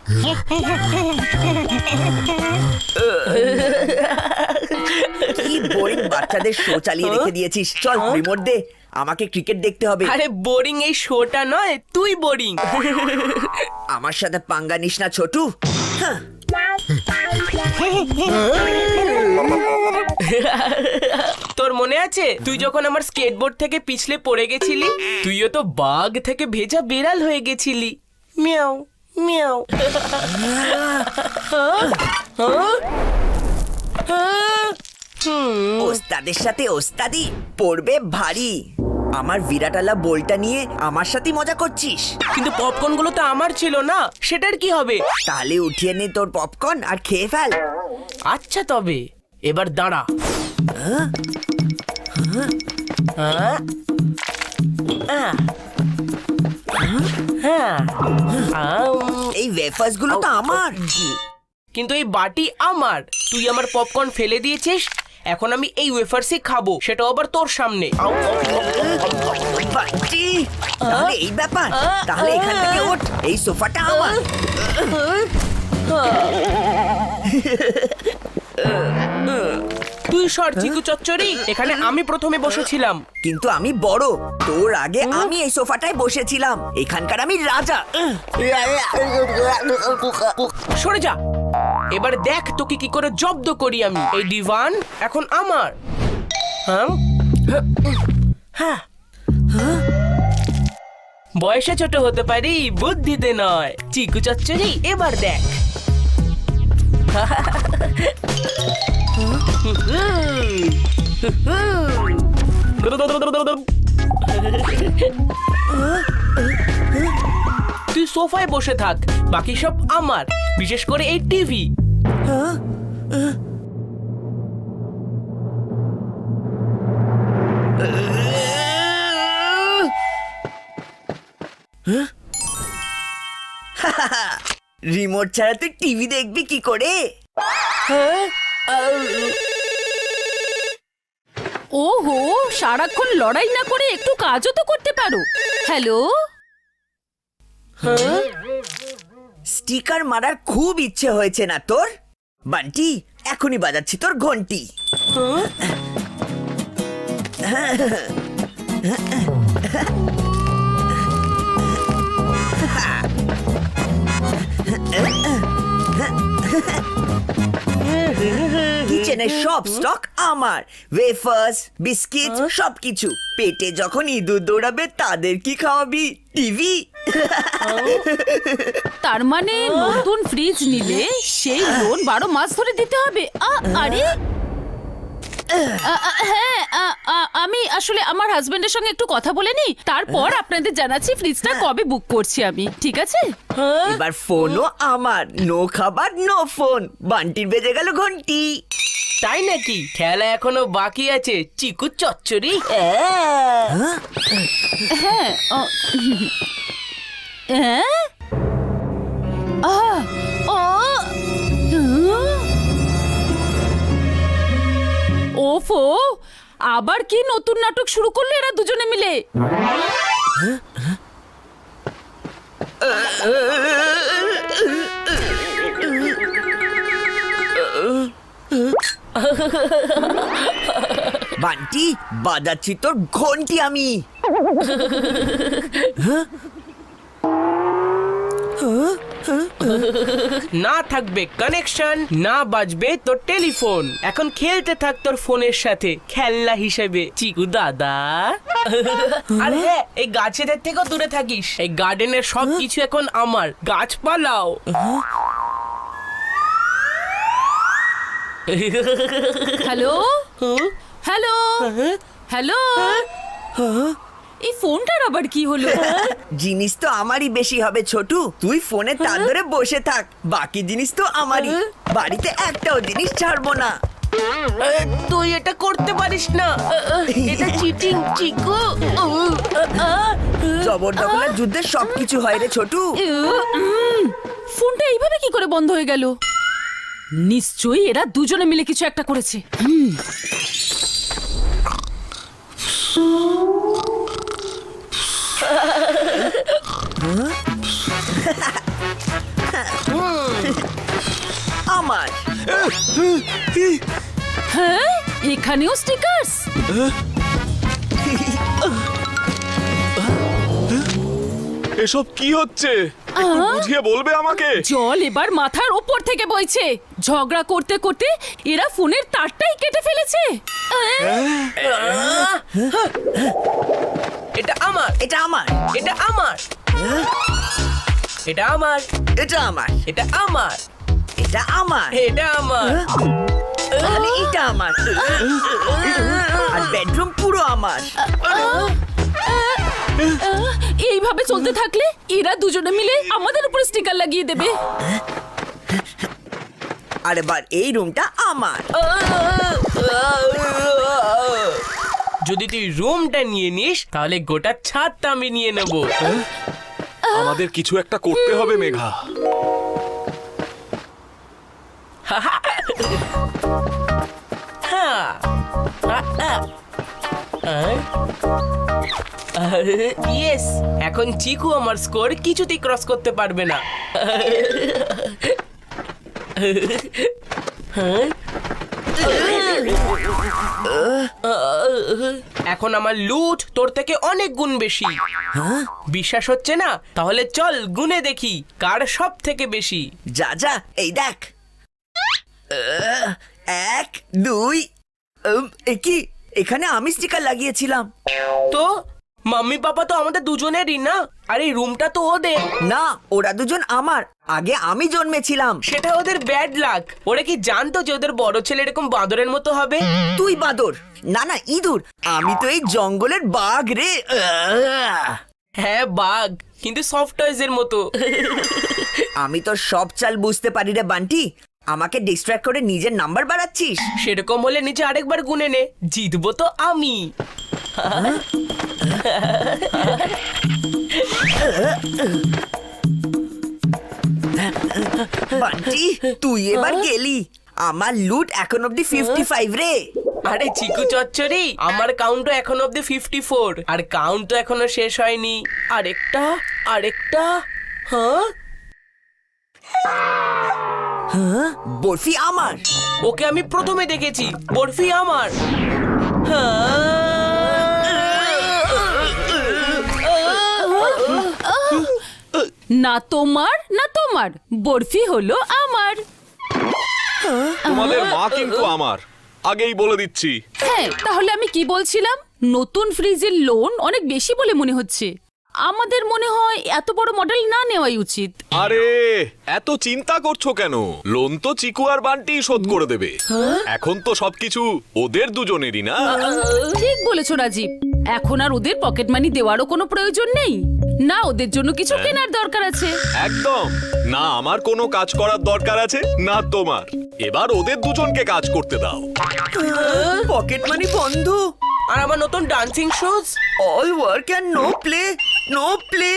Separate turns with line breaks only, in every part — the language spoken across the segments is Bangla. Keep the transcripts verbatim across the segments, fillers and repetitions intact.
কি বোরিং বাচ্চাদের শো চালিয়ে রেখে দিয়েছিস। চল রিমোট দে, আমাকে ক্রিকেট দেখতে হবে।
আরে বোরিং এই শোটা নয়, তুই বোরিং।
আমার সাথে পাঙ্গা নিস না ছোটু। হ্যাঁ।
তোর মনে আছে তুই যখন আমার স্কেটবোর্ড থেকে পিছলে পড়ে গেছিলি? তুইও তো বাঘ থেকে ভেজা বিড়াল হয়ে গেছিলি। মিয়াও মিয়াও।
ওস্তাদের সাথে ওস্তাদি পড়বে ভারী। আমার বিরাটালা বলটা নিয়ে আমার সাথে মজা করছিস।
কিন্তু পপকর্ন গুলো তো আমার ছিল না, সেটার কি হবে?
তাহলে উঠিয়ে নে তোর পপকর্ন আর খেয়ে ফেল।
আচ্ছা তবে এবার দাঁড়া।
এই ওয়েফার্স গুলো তো আমার।
কিন্তু এই বাটি আমার। তুই আমার পপকর্ন ফেলে দিয়েছিস, এখন আমি এই ওয়েফার্সই খাবো, সেটাও আবার তোর সামনে।
বাটি, তাহলে এই ব্যাপার। তাহলে এখান থেকে ওঠ, এই সোফাটা আমার।
তুই সর চিকু চচ্চড়ি, এখানে আমি প্রথমে বসেছিলাম।
কিন্তু আমি বড়, তোর আগে আমি এই সোফাটায় বসেছিলাম। এখানকার আমি রাজা।
সরে যা। এবার দেখ তোকে কি করে জব্দ করি আমি। এই ডিভান এখন আমার। হ্যাঁ হ্যাঁ, বয়সে ছোট হতে পারি, বুদ্ধিতে নয়। চিকু চচ্চড়ি এবার দেখ। তুই সোফায় বসে থাক, বাকি সব আমার, বিশেষ করে এই টিভি।
রিমোট ছাড়া তুই টিভি দেখবি কি করে?
ওহো, সারাক্ষণ লড়াই না করে একটু কাজও তো করতে পারো। হ্যালো,
স্টিকার মারার খুব ইচ্ছে হয়েছে না তোর? বান্টি, এখনই বাজাচ্ছি তোর ঘন্টি। কিচেনের সব স্টক আমার। ওয়েফার্স, বিস্কিট, সবকিছু। পেটে যখন ইঁদুর দৌড়াবে তাদের কি খাওয়াবি? টিভি।
তার মানে নতুন ফ্রিজ নিলে সেই লোন বারো মাস ধরে দিতে হবে? আ- আরে আ- আ- হ্যাঁ, আ- আ- আমি আসলে আমার হাজবেন্ডের সঙ্গে একটু কথা বলে নি, তারপর আপনাদের জানাচ্ছি ফ্রিজটা কবে বুক করছি আমি। ঠিক আছে?
এবার ফোনও আমার। নো খাবার, নো ফোন। বান্টির বেজে গেল ঘন্টি।
তাই নাকি? খেলা এখনো বাকি আছে চিকু চচ্চড়ি।
হ্যাঁ। ও, হ্যাঁ? আহ, ও, হুম। ওফো, আবার কি নতুন নাটক শুরু করলে এরা দুজনে মিলে?
বান্টি, বাজাচ্ছি তোর ঘন্টি আমি।
না থাকবে কানেকশন, না বাজবে তোর টেলিফোন। এখন খেলতে থাক তোর ফোনের সাথে খেলনা হিসেবে চিকু দাদা। আর হ্যাঁ, এই গাছেদের থেকেও দূরে থাকিস। এই গার্ডেনের সব কিছু এখন আমার। গাছপালাও।
Hello, hello, hello. এই ফোনটার আবার কি হলো?
জিনিস তো আমারই বেশি হবে ছোটু। তুই ফোনে তার ধরে বসে থাক, বাকি জিনিস তো আমারই। বাড়িতে একটাও জিনিস ছাড়বো না।
তুই এটা করতে পারিস না, এটা চিটিং চিকু।
জবরদখলের যুদ্ধে সবকিছু হয় রে ছোটু।
উম, ফোনটা এইভাবে কি করে বন্ধ হয়ে গেল? নিশ্চয়ই এরা দুজনে মিলে কিছু একটা করেছে। হুম।
আমার।
হ্যাঁ, এখানেও স্টিকার্স।
এসব কি হচ্ছে একটু বুঝিয়ে বলবে আমাকে?
জল এবার মাথার ওপর থেকে বইছে। ঝগড়া করতে করতে এরা ফোনের তারটাই কেটে ফেলেছে।
এটা আমার,
এটা আমার,
এটা আমার, এটা আমার,
এটা আমার,
এটা আমার,
এটা আমার,
এটা আমার।
তাহলে এটা আমার, আর বেডরুম পুরো আমার।
এইভাবে চলতে থাকলে এরা দুজনে মিলে আমাদের উপর স্টিকার লাগিয়ে দেবে।
আর এবার এই রুমটা আমার।
যদি তুই রুমটা নিয়ে নিস তাহলে গোটা ছাদটা আমি নিয়ে নেব।
আমাদের কিছু একটা করতে হবে মেঘা।
ইয়েস, এখন চিকু আমার স্কোর কিছুতেই ক্রস করতে পারবে না। এখন আমার লুট তোর থেকে অনেক গুণ বেশি। বিশ্বাস হচ্ছে না? তাহলে চল গুনে দেখি কার সব থেকে বেশি।
যা যা, এই দেখ। আহ, এক দুই উম, এ কি, এখানে আমি স্টিকার লাগিয়েছিলাম।
তো মাম্মি পাপা তো আমাদের দুজনেরই না, আর এই রুমটা তো ওদের।
না, ওরা দুজন আমার। আগে আমি জন্মেছিলাম।
সেটা ওদের ব্যাড লাক। ওরা কি জানতো যে ওদের বড় ছেলে এরকম বাঁদরের মতো হবে?
তুই বাদর, না না ইঁদুর। আমি তো এই জঙ্গলের বাঘ রে। আহ!
হ্যাঁ বাঘ, কিন্তু সফট টয়েজ এর মতো।
আমি তো সব চাল বুঝতে পারি রে বান্টি। আমাকে ডিস্ট্র্যাক্ট করে নিজের নাম্বার বাড়াচ্ছিস।
সেরকম হলে নিচে আরেকবার গুনে নে, জিতবো তো আমি।
বান্টি, তুই এবার গেলি। আমার লুট এখন অব্দি ফিফটি ফাইভ রে।
আরে চিকু চচ্চড়ি, আমার কাউন্টও এখন অব্দি ফিফটি ফোর, আর কাউন্ট তো এখনো শেষ হয়নি। আরেকটা, আরেকটা। হ্যাঁ,
হ্যাঁ, বরফি আমার।
ওকে আমি প্রথমে দেখেছি, বরফি আমার।
না তোমার না তোমার, বরফি হলো আমার।
তোমাদের মা কিন্তু আমার, আগেই বলে দিচ্ছি।
হ্যাঁ, তাহলে আমি কি বলছিলাম? নতুন ফ্রিজের লোন অনেক বেশি বলে মনে হচ্ছে। আমাদের মনে হয় এত বড় মডেল না নেওয়াই উচিত।
আরে এত চিন্তা করছো কেন? লোন তো চিকু আর বান্টি শোধ করে দেবে। এখন তো সবকিছু ওদের দুজনেরই না।
ঠিক বলেছো রাজীব। এখন আর ওদের পকেট মানি দেওয়ারও কোনো প্রয়োজন নেই। না ওদের জন্য কিছু কেনার দরকার আছে।
একদম না, আমার কোনো কাজ করার দরকার আছে না তোমার। এবার ওদের দুজনকে কাজ করতে দাও।
পকেট মানি বন্ধ।
আর আমার নতুন dancing shoes.
All work and no play, no play.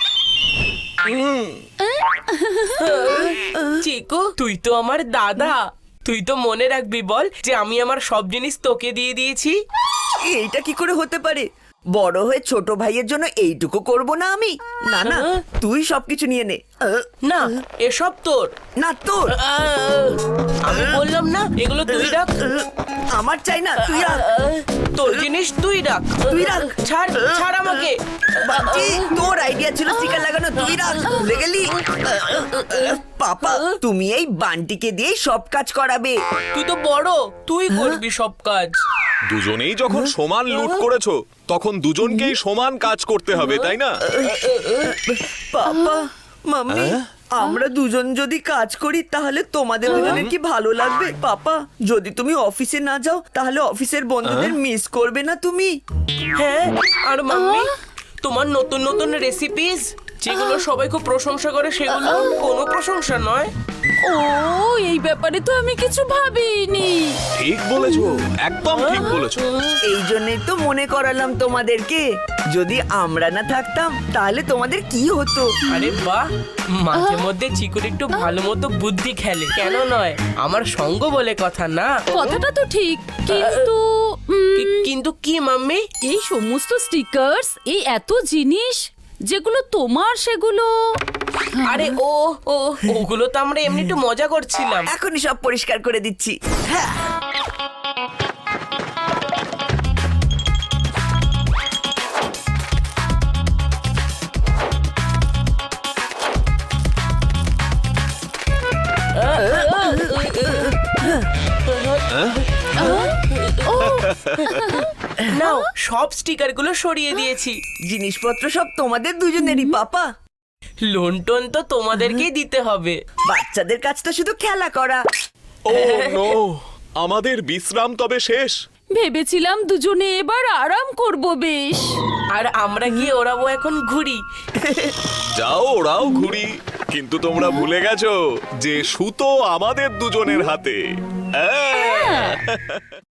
Chiku, তুই তো আমার দাদা। তুই তো মনে রাখবি বল যে আমি আমার সব জিনিস তোকে দিয়ে দিয়েছি।
এইটা কি করে হতে পারে? বড় হয়ে ছোট ভাইয়ের জন্য এইটুকু করব না আমি? না না, তুই সবকিছু নিয়ে নে। আহ,
না, এসব তোর।
না তোর।
আহ, আমি বললাম না এগুলো তুই রাখ।
আহ, আমার চাই না, তুই রাখ।
আহ, তোর জিনিস তুই রাখ।
তুই রাখ।
ছাড়, ছাড় আমাকে।
বাচ্চি, তোর আইডিয়া ছিল স্টিকার লাগানো, তুই রাখ। ভুলে গেলি? পাপা, তুমি এই বান্টিকে দিয়ে সব কাজ করাবে।
তুই তো বড়, তুই করবি সব কাজ।
দুজনেই যখন সমান লুট করেছো তখন দুজনকেই সমান কাজ করতে হবে, তাই না?
পাপা, মাম্মি, আমরা দুজন যদি কাজ করি তাহলে তোমাদের দুজনের কি ভালো লাগবে? পাপা, যদি তুমি অফিসে না যাও তাহলে অফিসের বন্ধুদের মিস করবে না তুমি?
হ্যাঁ, আর মাম্মি, তোমার নতুন নতুন রেসিপিস যেগুলো সবাই খুব প্রশংসা করে সেগুলো কোনো প্রশংসা নয়।
ও, এই ব্যাপারে তো আমি কিছু ভাবিনি।
ঠিক বলেছো, একদম ঠিক বলেছো।
এই জন্যই তো মনে করালাম তোমাদেরকে। যদি আমরা না থাকতাম তাহলে তোমাদের কি হতো?
আরে বাহ, মাঝে মধ্যে চিকুর একটু ভালো মতো বুদ্ধি খেলে, কেন নয়? আমার সঙ্গ বলে কথা না।
কথাটা তো ঠিক, কিন্তু উম,
কি- কিন্তু কি মাম্মি?
এই সমস্ত স্টিকার্স, এই এত জিনিস যেগুলো তোমার সেগুলো
আরে ও ও ওগুলো তো আমরা এমনি একটু মজা করছিলাম।
এখনই সব পরিষ্কার করে দিচ্ছি। হ্যাঁ।
নাও সব স্টিকার গুলো সরিয়ে দিয়েছি।
জিনিসপত্র সব তোমাদের দুজনেরই পাপা।
লোন টোন তো তোমাদেরকেই দিতে হবে।
বাচ্চাদের কাজ তো শুধু খেলা করা।
ও নো, আমাদের বিশ্রাম তবে শেষ।
ভেবেছিলাম দুজনে এবার আরাম করব বেশ।
আর আমরা গিয়ে ওড়াবো এখন ঘুড়ি।
যাও ওরাও ঘুরি, কিন্তু তোমরা ভুলে গেছো যে সুতো আমাদের দুজনের হাতে। আহ!